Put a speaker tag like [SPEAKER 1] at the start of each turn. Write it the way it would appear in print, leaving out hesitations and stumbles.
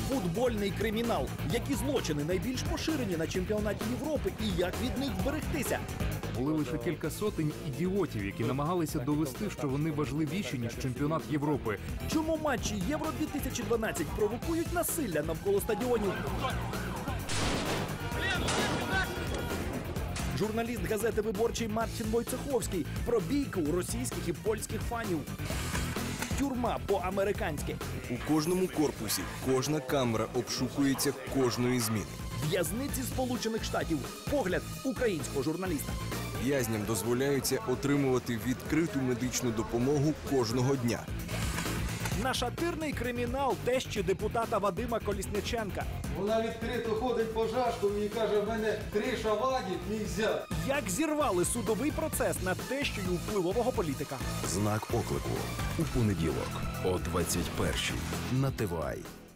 [SPEAKER 1] Футбольний кримінал. Які злочини найбільш поширені на чемпіонаті Європи і як від них вберегтися?
[SPEAKER 2] Були лише кілька сотень ідіотів, які намагалися довести, що вони важливіші, ніж чемпіонат Європи.
[SPEAKER 1] Чому матчі Євро-2012 провокують насилля навколо стадіонів? Журналіст газети «Виборчий» Мартін Войцеховський про бійку російських і польських фанів. Тюрма по-американськи.
[SPEAKER 3] У кожному корпусі кожна камера обшукується кожної зміни.
[SPEAKER 1] В'язниці Сполучених Штатів. Погляд українського журналіста.
[SPEAKER 3] В'язням дозволяється отримувати відкриту медичну допомогу кожного дня.
[SPEAKER 1] Нашатирний кримінал тещі депутата Вадима Колісниченка.
[SPEAKER 4] Вона відкрито ходить по жашку і каже, в мене 3 шаваді, нельзя.
[SPEAKER 1] Як зірвали судовий процес над тещею впливового політика.
[SPEAKER 5] Знак оклику у понеділок о 21-й на ТВА.